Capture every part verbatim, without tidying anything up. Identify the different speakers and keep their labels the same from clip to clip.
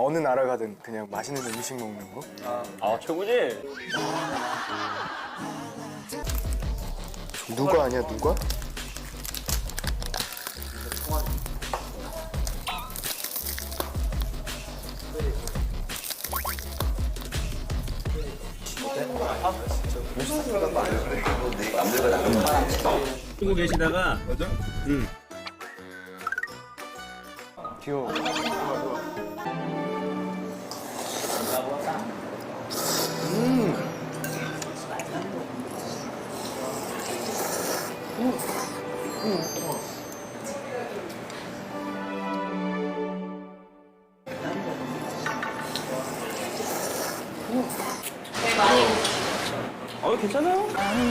Speaker 1: 어느 나라 가든 그냥 맛있는 음식 먹는 거.
Speaker 2: 아, 아 최고지.
Speaker 1: 누가 아니야 누가?
Speaker 2: 쓰고 계시다가 맞아? 응.
Speaker 1: 귀여워.
Speaker 2: 어 괜찮아요?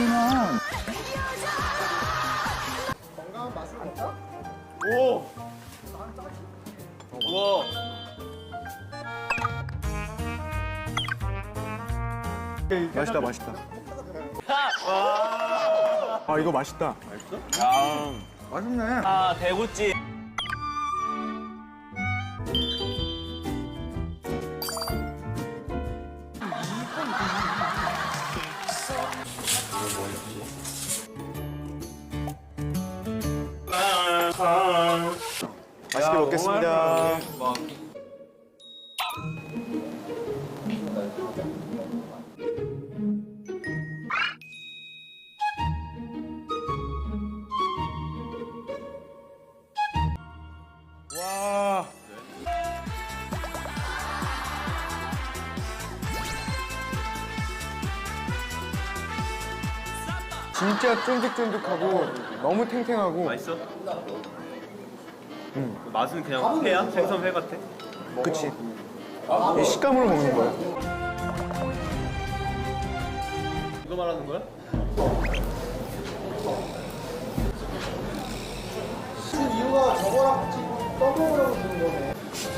Speaker 2: 오! 우와!
Speaker 1: 맛있다 맛있다. 아 이거 맛있다.
Speaker 2: 야,
Speaker 1: 맛있네.
Speaker 2: 아 대구찜.
Speaker 1: 맛있게 먹겠습니다. 와. 진짜 쫀득쫀득하고 너무 탱탱하고.
Speaker 2: 맛있어? 응. 맛은 그냥 회야? 생선 회 같아?
Speaker 1: 그치. 이 식감으로 먹는 거야.
Speaker 2: 이거 말하는 거야?
Speaker 3: 이유가 저거랑 같이 떠먹으라고 주는 거네.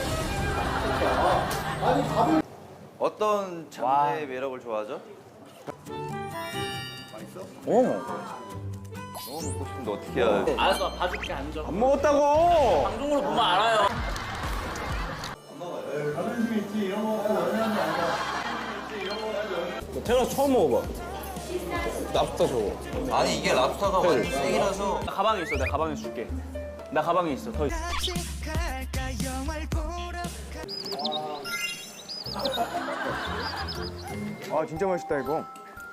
Speaker 3: 아니 밥을
Speaker 4: 어떤 장르의 매력을 좋아하죠?
Speaker 1: 오.
Speaker 4: 너무 먹고 싶은데 어떻게 해야 돼?
Speaker 2: 알았어, 봐줄게 앉아.
Speaker 1: 안 먹었다고.
Speaker 2: 방송으로 보면 알아요.
Speaker 1: 태어나서 처음 먹어봐. 랍스터 저거.
Speaker 4: 아니 이게 랍스터가 완전 생이라서
Speaker 2: 나 가방에 있어, 내 가방에 줄게. 나 가방에 있어, 더 있어.
Speaker 1: 아 진짜 맛있다 이거.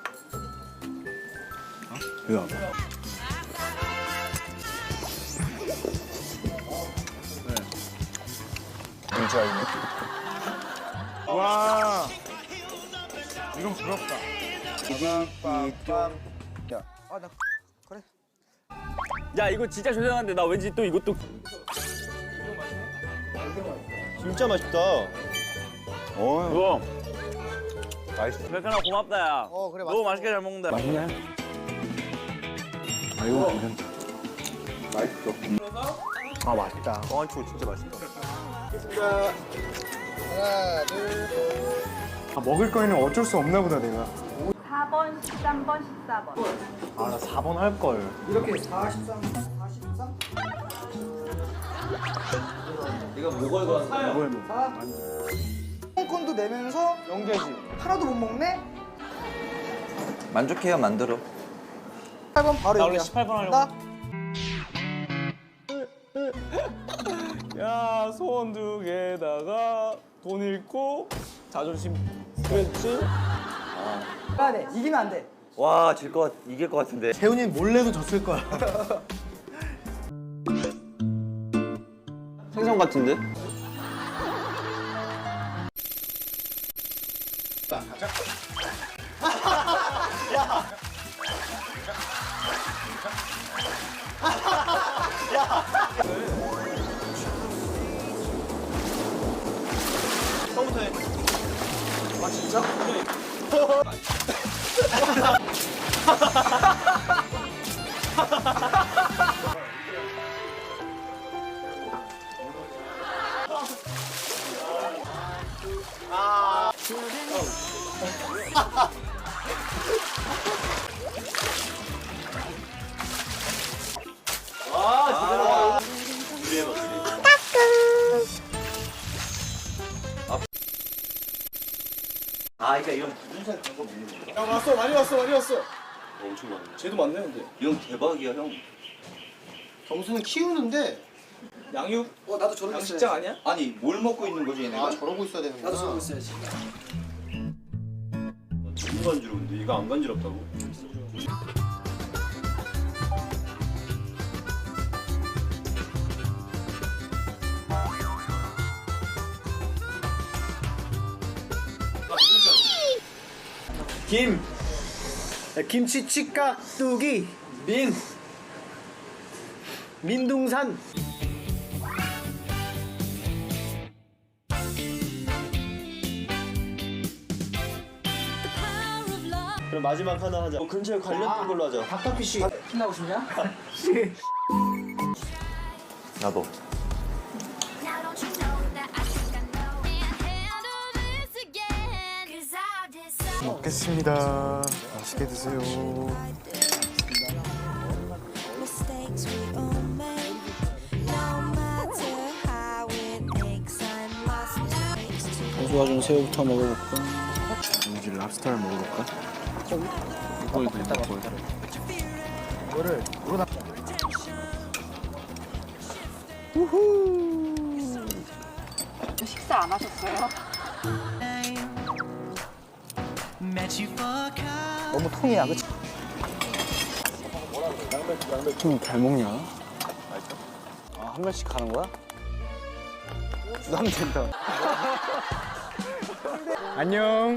Speaker 1: 이거 봐봐. 진짜 이거. 와. 이건 부럽다. 야.
Speaker 3: 아나 그래.
Speaker 2: 야, 이거 진짜 죄송한데 나 왠지 또 이것도
Speaker 1: 진짜 맛있다. 어.
Speaker 2: 이거
Speaker 1: 맛있어.
Speaker 2: 백현아 고맙다 야.
Speaker 3: 어, 그래,
Speaker 2: 너무
Speaker 3: 맛있어.
Speaker 2: 맛있게 잘 먹는다.
Speaker 1: 맛있네. 아 이거 괜찮다. 맛있어. 아 맛있다. 뻥치고 진짜 맛있다.
Speaker 3: 하나 둘.
Speaker 1: 아 먹을 거에는 어쩔 수 없나 보다 내가.
Speaker 5: 사 번, 십삼 번, 십사 번.
Speaker 1: 아 나 사 번 할 걸.
Speaker 3: 이렇게 사십삼, 사십삼.
Speaker 4: 이거 목을 건
Speaker 1: 이걸 뭐.
Speaker 3: 홍콘도 내면서
Speaker 1: 연계지.
Speaker 3: 하나도 못 먹네.
Speaker 4: 만족해야 만들어.
Speaker 3: 팔 번 바로
Speaker 2: 나 원래
Speaker 3: 여기야.
Speaker 2: 십팔 번 하려고.
Speaker 3: 나
Speaker 2: 야, 소원 두 개다가 돈 잃고 자존심 스트레치.
Speaker 3: 가야 돼. 이기면 안 돼.
Speaker 4: 와, 질 것 같, 이길 것 같은데.
Speaker 1: 태훈이는 몰래도 졌을 거야.
Speaker 2: 생선 같은데? 처음부터 해.
Speaker 3: 아 진짜?
Speaker 4: 아, 그러니까 이런 분살 그런 거 먹는 거야.
Speaker 3: 야 왔어 많이 왔어 많이 왔어.
Speaker 4: 엄청 많네.
Speaker 3: 쟤도 많네 근데.
Speaker 4: 이형 대박이야, 형.
Speaker 3: 경수는 키우는데
Speaker 6: 양육
Speaker 3: 어 나도 저러고
Speaker 6: 양식장 아니야?
Speaker 4: 아니, 뭘 먹고 있는 거지, 얘네가?
Speaker 3: 아 저러고 있어야 되는 거야.
Speaker 6: 나도 저러고 있어야지.
Speaker 1: 너무 간지러운데 이거 안 간지럽다고?
Speaker 2: 김,
Speaker 3: 야, 김치 치깍두기 민 민둥산.
Speaker 1: 그럼 마지막 하나 하자. 뭐 근처에 관련된 걸로 하자.
Speaker 3: 닭다피쉬.
Speaker 6: 신나고 싶냐?
Speaker 4: 나도.
Speaker 7: Now don't you know that I think I know can't handle this again? Cause I decided
Speaker 3: 먹겠습니다. 맛있게 드세요.
Speaker 7: mistakes we all make. No matter how it aches, I must taste to
Speaker 6: 경수가 준 새우부터 먹어볼까?
Speaker 3: 이제 랍스타를 먹어볼까?
Speaker 6: 이거 이거 이거
Speaker 3: 이거를 이거 나.
Speaker 5: 식사 안 하셨어요?
Speaker 6: 너무 통이야, 그치? 통잘 먹냐? 아, 한 번씩 가는 거야?
Speaker 3: 나면 된다.
Speaker 6: 안녕.